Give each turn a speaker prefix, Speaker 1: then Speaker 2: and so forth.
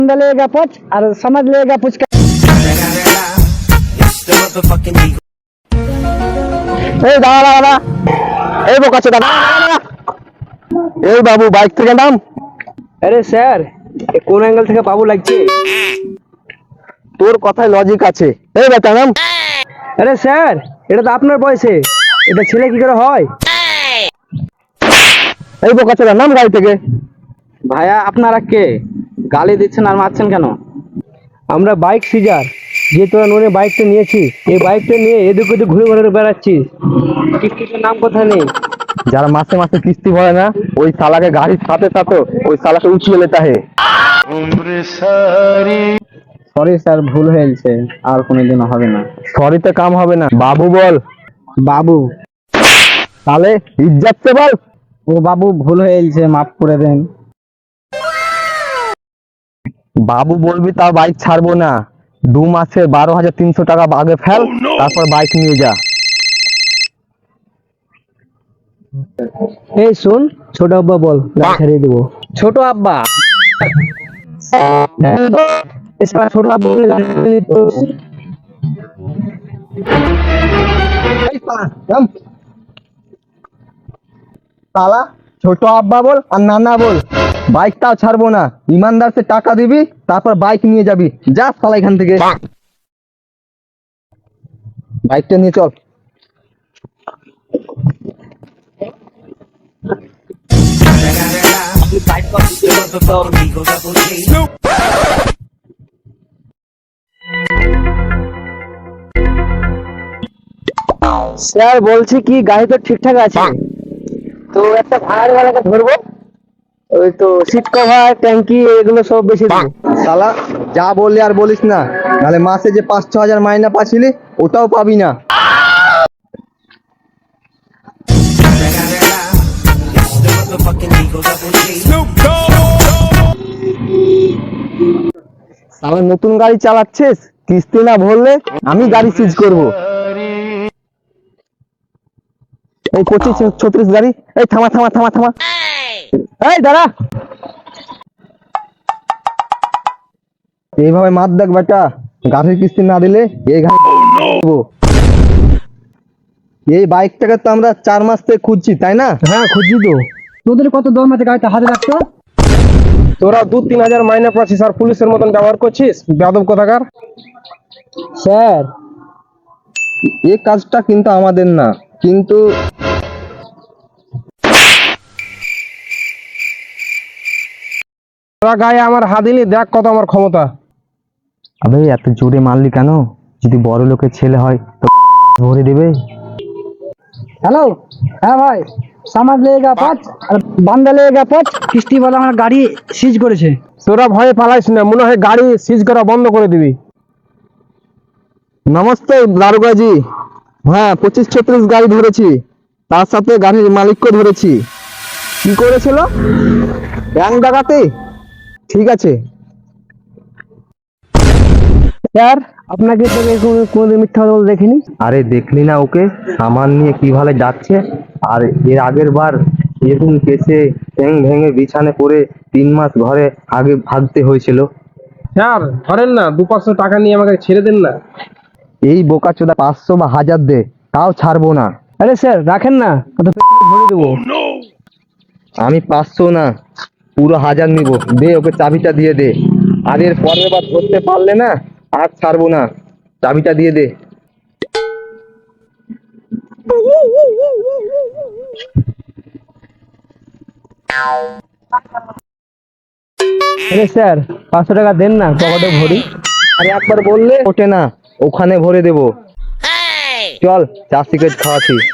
Speaker 1: लेगा पच और समझ लेगा पुचका।
Speaker 2: এই দাঁড়া দাঁড়া, এই বোকাচ্ছে দাঁড়া। এই বাবু বাইক থেকে নাম।
Speaker 1: अरे सर কোন অ্যাঙ্গেল থেকে বাবু লাগছে?
Speaker 2: তোর কথায় লজিক আছে। এই বেটা নাম।
Speaker 1: আরে স্যার এটা তো আপনার বয়সে, এটা ছেলে কি করে হয়?
Speaker 2: এই বোকাচ্ছে নাম গাড়ি থেকে।
Speaker 1: ভাইয়া আপনারা কে গালি দিচ্ছেন আর মারছেন কেন? আমরা বাইক সিজার, যে তোরা নোনে বাইকটা নিয়েছি, এই বাইকটা নিয়ে এদিক ওদিক ঘুরে ঘুরে বেড়াচ্ছিস, কিস্তিটার নাম কোথায় নেই।
Speaker 2: যারা মাসে মাসে কিস্তি ভরে না, ওই শালাকে গাড়ির সাথে সাথে ওই শালাকে উঠিয়ে লেতা হে।
Speaker 1: সরি স্যার, ভুল হয়েছে, আর কোনোদিন হবে না।
Speaker 2: সরিতে কাম হবে না, বাবু বল।
Speaker 1: বাবু
Speaker 2: তাহলে ইজ্জত সে বল।
Speaker 1: ও বাবু ভুল হয়েছে, মাফ করে দেন।
Speaker 2: বাবু বলবি তার বাইক ছাড়বো না। 2 মাসে 12,300 টাকা আগে ফেল, তারপর বাইক নিয়ে যা।
Speaker 1: এই শুন, ছোট আব্বা বল, গাড়ি ছাড়িয়ে দেবো। ছোট আব্বা ছোট আব্বা বলে গাড়ি ছাড়িয়ে দিত।
Speaker 2: শালা ছোট আব্বা বল আর নানা বল, বাইকটাও ছাড়বো না। ইমানদার সে টাকা দিবি, তারপর বাইক নিয়ে যাবি। যা শালা এখান থেকে, বাইকটা নিয়ে চল।
Speaker 1: স্যার বলছি কি, গাড়ি তো ঠিকঠাক আছে, তো একটা ভাড়াওয়ালাকে ধরবো, ওই তো সিট কভার ট্যাঙ্কি এগুলো সব বেশি দেবো।
Speaker 2: শালা যা বললি আর বলিস না, নাহলে মাসে যে 5-6 হাজার মাইনা পাচ্ছিলি ওটাও পাবি না। শালা নতুন গাড়ি চালাচ্ছিস, কিস্তি না ভরলে আমি গাড়ি সিজ করব। এই 25-36 গাড়ি। এই থামা থামা থামা থামা, এই দাঁড়া। এইভাবে মার দেখ বেটা, গাড়ির কিস্তি না দিলে এই গাড়ি দেবো। এই বাইকটাকে তো আমরা 4 মাস থেকে খুঁজছি, তাই না?
Speaker 1: হ্যাঁ খুঁজি তো। তোদের কত দর মাসে গাড়িটা হাতে রাখতো?
Speaker 2: তোরা 2-3 হাজার মাইনে পাচ্ছিস আর পুলিশের মতন ব্যবহার করছিস, বেয়াদব কোথাকার।
Speaker 1: স্যার
Speaker 2: এই কাজটা কিন্তু আমাদের না, কিন্তু তোরা গায়ে আমার হাত দিলি, দেখ কত আমার ক্ষমতা। আবে এত জোরে মারলি কেন? যদি বড় লোকের ছেলে হয় তো ভরে দেবে।
Speaker 1: हेलो, হ্যাঁ ভাই, সামাজ লেগা পাঁচ আর বান্দা লেগা পাঁচ, কিস্তি वाला আমার গাড়ি সিজ করেছে।
Speaker 2: তোরা ভয়ে পালাইস না, মনে হয় গাড়ি সিজ করা বন্ধ করে দিবি। নমস্তে দারোগাজি। হ্যাঁ 25-36 গাড়ি ধরেছি, তার সাথে গাড়ির মালিককে ধরেছি। কি করেছিল? ব্যাংক ডাকাতি। ঠিক আছে
Speaker 1: স্যার আপনাকে তো কোনোদিন মিথ্যা কথা বলতে দেখিনি।
Speaker 2: আরে দেখলি না ওকে, সামান নিয়ে কিভাবে যাচ্ছে। আর এর আগের বার এরকম কেসে ঠ্যাং ভেঙে বিছানে পড়ে 3 মাস ঘরে আগে ভাগতে হয়েছিল।
Speaker 3: স্যার ধরেন না, 2-500 টাকা নিয়ে আমাকে ছেড়ে দেন না।
Speaker 2: এই বোকাচোদা 500 বা 1000 দে, তাও ছাড়বো না।
Speaker 1: আরে স্যার রাখেন না, কত পেছনে ভরে দেবো।
Speaker 2: আমি 500 না, পুরো 1000 নিব। দে ওকে চাবিটা দিয়ে দে, আর এর পরের বার ধরতে পারলে না আর ছাড়বো না। চাবিটা দিয়ে দে।
Speaker 1: আরে স্যার 500 টাকা দেন না, পকেটে ভরি।
Speaker 2: আরে একবার বললে ওঠে না, ওখানে ভরে দেবো। চল চা সিগারেট খাওয়াচ্ছি।